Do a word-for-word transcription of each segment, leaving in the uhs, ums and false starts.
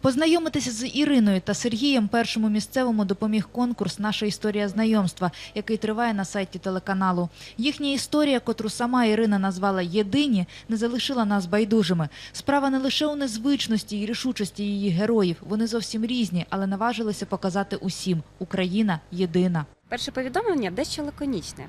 Познайомитися з Іриною та Сергієм першому місцевому допоміг конкурс «Наша історія знайомства», який триває на сайті телеканалу. Їхня історія, котру сама Ірина назвала «Єдині», не залишила нас байдужими. Справа не лише у незвичності і рішучості її героїв. Вони зовсім різні, але наважилися показати усім – Україна єдина. Перше повідомлення дещо лаконічне,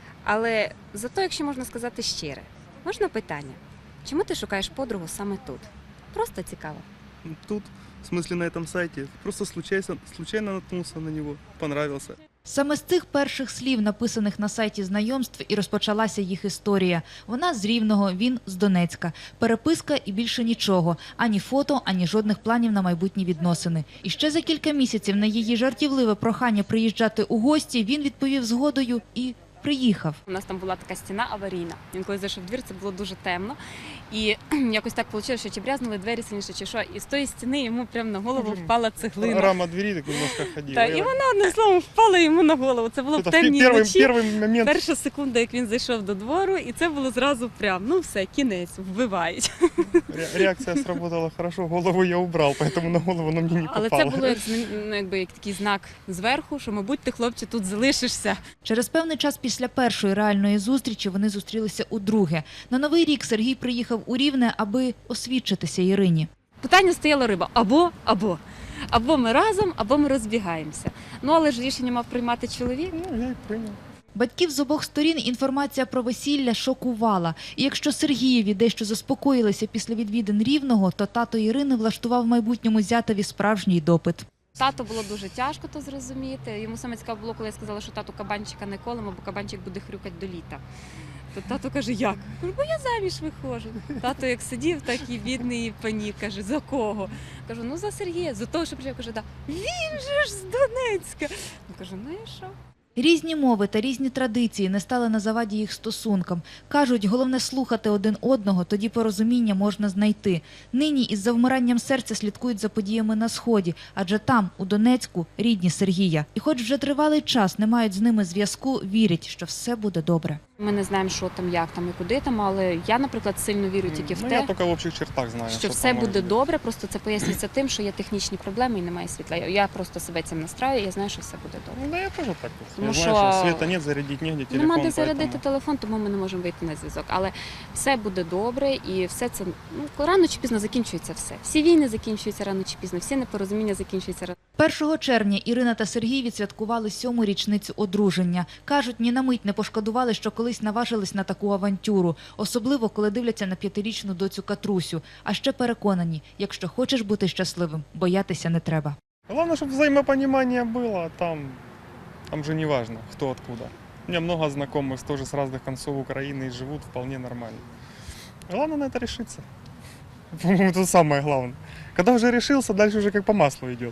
але зато, якщо можна сказати щире, можна питання, чому ти шукаєш подругу саме тут? Просто цікаво. Тут, в смысле на этом сайте, просто случайно, случайно наткнулся на него, понравился. Саме з цих перших слів, написаних на сайті знайомств, і розпочалася їх історія. Вона з Рівного, він з Донецька. Переписка і більше нічого. Ані фото, ані жодних планів на майбутні відносини. І ще за кілька місяців на її жартівливе прохання приїжджати у гості він відповів згодою і приїхав. У нас там була така стіна аварійна. Він коли зайшов в двір, це було дуже темно. І якось так вийшло, що чи брязнули двері сильніше, чи що. І з тої стіни йому прямо на голову впала цеглина. Рама двери так немножко ходила. Так, і вона одним словом впала йому на голову. Це було в темній перший, ночі. перший момент. Перша секунда, як він зайшов до двору, і це було зразу прям, ну все, кінець, вбивають. Реакція сработала хорошо, голову я убрав, тому на голову на мені не попало. Але це було як, ну, якби, як такий знак зверху, що, мабуть, ти, хлопче, тут залишишся. Через певний час після першої реальної зустрічі вони зустрілися удруге. На Новий рік Сергій приїхав у Рівне, аби освідчитися Ірині. Питання стояло риба або, або. Або ми разом, або ми розбігаємося. Ну, але ж рішення мав приймати чоловік. Ну, я й прийняв. Батьків з обох сторін інформація про весілля шокувала. І якщо Сергієві дещо заспокоїлися після відвідин Рівного, то тато Ірини влаштував майбутньому зятеві справжній допит. Тату було дуже тяжко то зрозуміти. Йому саме цікаво було, коли я сказала, що тату кабанчика не колемо, бо кабанчик буде хрюкати до літа. То тато каже, як? Кажу, бо я заміж виходжу. Тато як сидів, так і бідний і панік. Каже, за кого? Кажу, ну за Сергія, за того, що приїхав. Каже, да. Він же ж з Донецька. Кажу, ну і що? Різні мови та різні традиції не стали на заваді їх стосункам. Кажуть, головне слухати один одного, тоді порозуміння можна знайти. Нині із завмиранням серця слідкують за подіями на Сході, адже там, у Донецьку, рідні Сергія. І хоч вже тривалий час не мають з ними зв'язку, вірять, що все буде добре. Ми не знаємо, що там, як там і куди там, але я, наприклад, сильно вірю тільки в Ну, те, я тільки в общих чертах знаю, що що все там буде може бути. добре, просто це пояснюється тим, що є технічні проблеми і немає світла. Я просто себе цим настраю, я знаю, що все буде добре. Ну, да, я теж так. Тому я що знаю, що світа нет, зарядити негде, телефон. Нема де зарядити поэтому... телефон, тому ми не можемо вийти на зв'язок. Але все буде добре і все це, ну, рано чи пізно закінчується все. Всі війни закінчуються рано чи пізно, всі непорозуміння закінчуються рано. першого червня Ірина та Сергій відсвяткували сьому річницю одруження. Кажуть, ні на мить не пошкодували, що колись наважились на таку авантюру. Особливо, коли дивляться на п'ятирічну доцю Катрусю. А ще переконані, якщо хочеш бути щасливим, боятися не треба. Главное, чтобы взаимопонимание было, а там, там же не важно, кто откуда. У меня много знакомых тоже с разных концов Украины и живут вполне нормально. Главное на это решиться. По-моему, это самое главное. Когда уже решился, дальше уже как по маслу идет.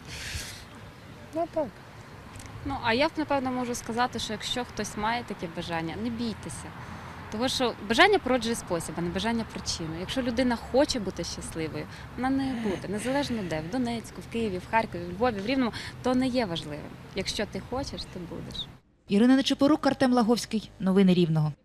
Ну а так. Ну, а я, напевно, можу сказати, що якщо хтось має таке бажання, не бійтеся. Тому що бажання породжує спосіб, а не бажання причину. Якщо людина хоче бути щасливою, вона не буде. Незалежно де, в Донецьку, в Києві, в Харкові, в Львові, в Рівному, то не є важливим. Якщо ти хочеш, ти будеш. Ірина Нечипорук, Артем Лаговський. Новини Рівного.